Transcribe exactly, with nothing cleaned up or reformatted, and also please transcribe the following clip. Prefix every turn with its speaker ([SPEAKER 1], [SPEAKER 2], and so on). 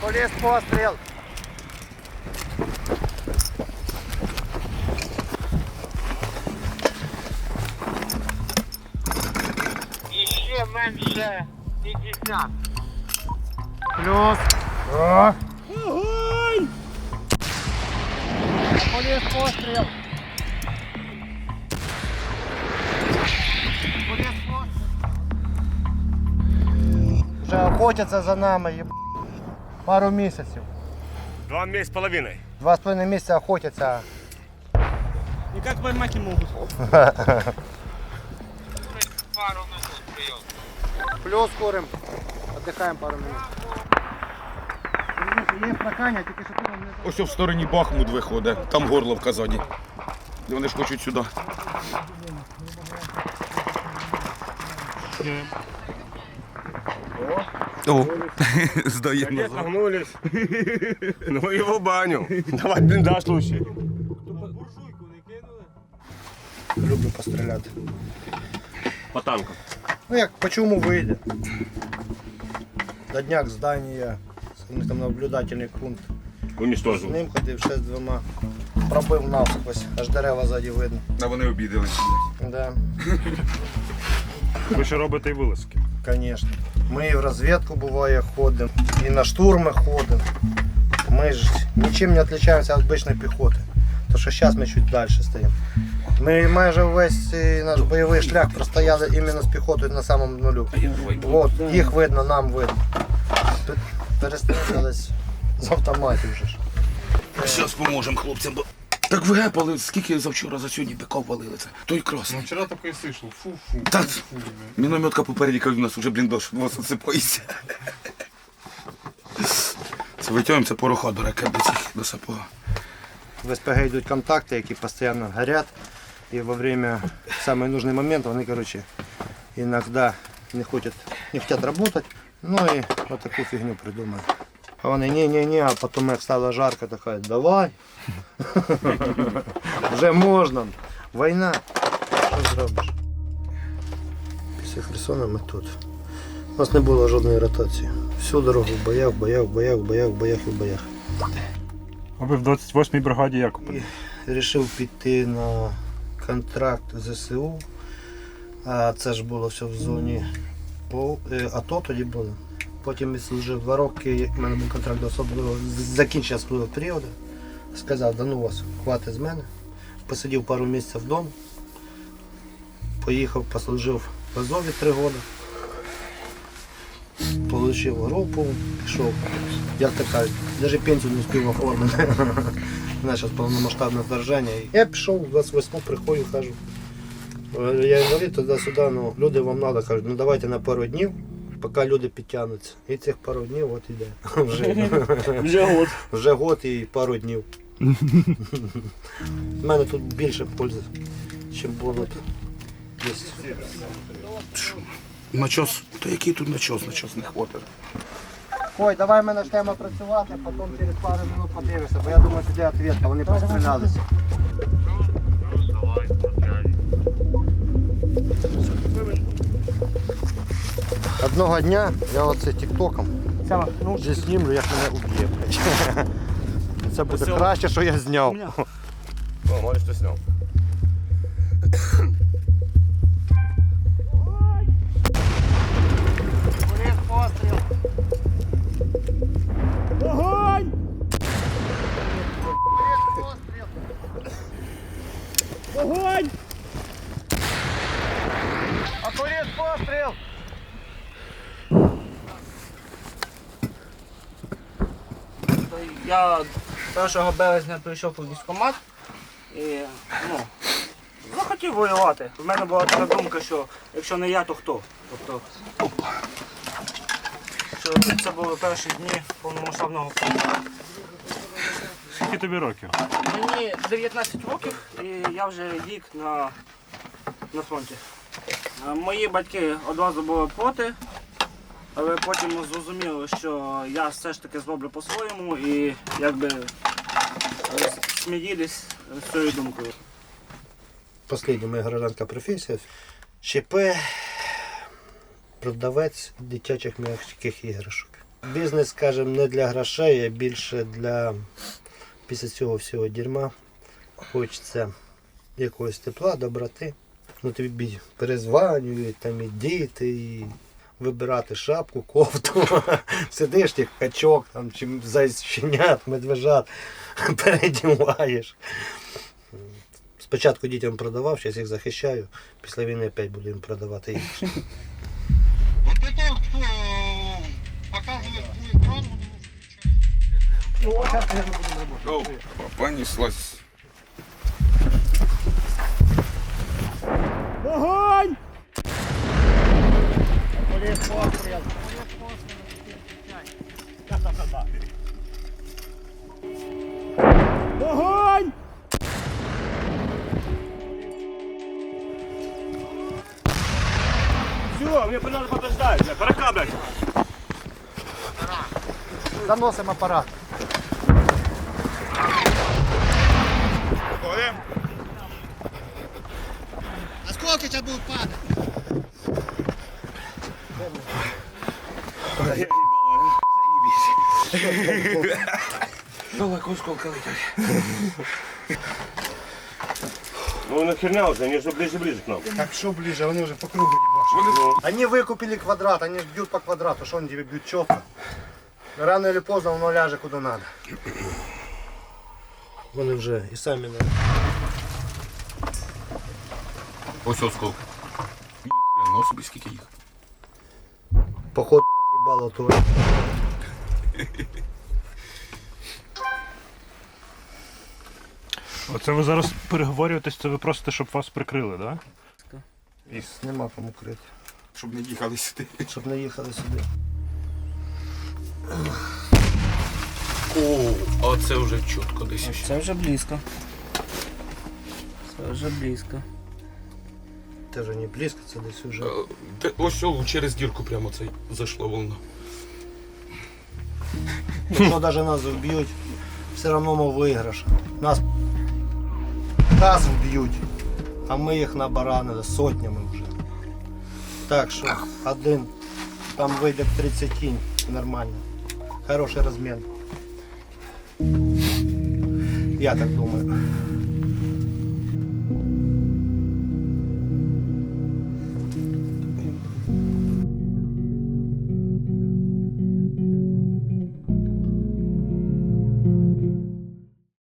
[SPEAKER 1] Окуліст, постріл.
[SPEAKER 2] І ще менше п'ятдесят.
[SPEAKER 1] Плюс. О.
[SPEAKER 3] Огонь!
[SPEAKER 1] Окуліст, постріл. Окуліст, постріл. Вже охотяться за нами, єб... пару місяців.
[SPEAKER 3] Два месяца с половиной.
[SPEAKER 1] Два з половиною місяця охотяться.
[SPEAKER 4] Никак поймать не могут.
[SPEAKER 2] Пару минут прийом.
[SPEAKER 1] Плюс курим. Отдихаємо пару минут. Є прокання, тільки що ти нам не...
[SPEAKER 5] Ось в стороні Бахмут виходить, там горло в Казані. І вони ж хочуть сюди. О, здаємо.
[SPEAKER 3] Где нагнулись? Ну его баню. Давай блиндаж лучше.
[SPEAKER 1] Люблю постріляти.
[SPEAKER 3] По танкам.
[SPEAKER 1] Ну як, по чому вийде? Додняк здання, у них там наблюдательний пункт. З
[SPEAKER 3] Уничтожил.
[SPEAKER 1] ним ходив ще з двома. Пробив навскось, аж дерева ззаді видно.
[SPEAKER 5] А вони обідалися.
[SPEAKER 1] Да,
[SPEAKER 3] Ви ще робите і вилазки.
[SPEAKER 1] звісно. Ми і в розвідку буває ходимо, і на штурми ходимо. Ми ж нічим не відрізняємося від звичайної піхоти. Тому що зараз ми чуть далі стоїмо. Ми майже весь цей наш бойовий шлях простояли іменно з піхотою на самому нулю. От, їх видно, нам видно. Тут перестрілялись з автоматів вже ж.
[SPEAKER 5] Зараз поможемо хлопцям, бо так вигепали, скільки завчора за сьогодні биков валили це. Той красний.
[SPEAKER 6] Ну, вчера только и слышал. Фу-фу.
[SPEAKER 5] Та,
[SPEAKER 6] фу,
[SPEAKER 5] мінометка попередіка у нас вже бліндаж, вас осипається. Це витягуємо, це пороха до ракет до цих, до сапога.
[SPEAKER 1] В СПГ йдуть контакти, які постійно горять. І во время в самый нужный момент вони, короче, иногда не хочуть, не хотят работать. Ну і вот таку фігню придумали. А вони ні-ні-ні, а потім як стало жарко, така, давай. Вже можна. Війна. Що зробиш? Після Херсона ми тут. У нас не було жодної ротації. Всю дорогу в боях, в боях, в боях, в боях, в боях і в боях.
[SPEAKER 3] А ви в двадцять восьмій бригаді як?
[SPEAKER 1] І вирішив піти на контракт ЗСУ. А це ж було все в зоні АТО тоді було. Потім я служив два роки, у мене був контракт до особливого, закінчився особливого періоду. Сказав, да ну вас, хватить з мене. Посидів пару місяців вдома. Поїхав, послужив в Азові три роки. Получив групу, пішов, як так кажуть, навіть пенсію не встиг оформити. У нас зараз повномасштабне вторження. Я пішов, в двадцять восьму приходжу, кажу, я інвалід туди-сюди, ну люди вам треба, кажуть, ну давайте на пару днів, поки люди підтягнуться. І цих пару днів от іде. Вже,
[SPEAKER 4] Вже год.
[SPEAKER 1] вже год і пару днів. У мене тут більше пользи, ніж було б десь.
[SPEAKER 5] Начос, то який тут начос, начос не хватить.
[SPEAKER 1] Ой, давай ми почнемо працювати, потім через пару минут подивишся, бо я думаю, сюди відповідка, вони пострілялися. Одного дня я оце тіктоком вже знімлю, як мене уб'є. Це буде краще, що я зняв.
[SPEAKER 3] О, може, що сняв.
[SPEAKER 1] Постріл.
[SPEAKER 4] Огонь! Огонь!
[SPEAKER 1] Окуліст, постріл!
[SPEAKER 4] Я першого березня прийшов у військкомат і ну, захотів воювати. В мене була така думка, що якщо не я, то хто? Тобто, що це були перші дні повномасштабного вторгнення.
[SPEAKER 3] Скільки тобі років?
[SPEAKER 4] Мені дев'ятнадцять років і я вже рік на, на фронті. Е, Мої батьки одразу були проти, але потім зрозуміли, що я все ж таки зроблю по-своєму і якби е, смирились з цією думкою.
[SPEAKER 1] Остання моя гражданська професія. ЧП, продавець дитячих м'яких іграшок. Бізнес, скажімо, не для грошей, а більше для після цього всього дерьма. Хочеться якогось тепла, доброти. Ну тобі перезванюють, там і діти, і вибирати шапку, кофту. Сидиш, як качок, там, чи зайченят, медвежат, передіваєш. Спочатку дітям продавав, зараз їх захищаю, після війни опять буду їм продавати їх.
[SPEAKER 2] Вот это вот кто показывает свой экран,
[SPEAKER 1] Ну, зараз я не буду робити.
[SPEAKER 5] О, понеслась.
[SPEAKER 3] Огонь! Огонь! Все, мне надо подождать, бля, пора блядь.
[SPEAKER 1] Заносимо апарат. Осколки сейчас будут падать.
[SPEAKER 5] Далеко осколка летять.
[SPEAKER 3] Ну нахерня уже, они же ближе-ближе к нам.
[SPEAKER 1] Так что ближе, они уже по кругу ебашат. Они выкупили квадрат, они ж бьют по квадрату, что они тебе бьют четко. Рано или поздно воно ляже куди надо. Вони вже і самі не.
[SPEAKER 5] Ось осколка. Ніхрена собі скільки їх.
[SPEAKER 1] Походу роз'їбало то.
[SPEAKER 6] Оце ви зараз переговорюєтесь, це ви просите, щоб вас прикрили, так? Да?
[SPEAKER 1] Нема кому крити,
[SPEAKER 5] Щоб не їхали сюди.
[SPEAKER 1] щоб не їхали сюди.
[SPEAKER 5] О, а це вже чітко десь ще.
[SPEAKER 4] Це вже близько. Це вже близько.
[SPEAKER 1] Це вже не близько, це десь уже.
[SPEAKER 5] Е, де- Ось о, через дірку прямо цей зайшла волна.
[SPEAKER 1] Якщо навіть нас вб'ють, все одно ми виграш. Нас нас вб'ють, а ми їх набаранили сотнями вже. Так що один там вийде в тридцять кінь, нормально. Хороший розмін. Я так думаю.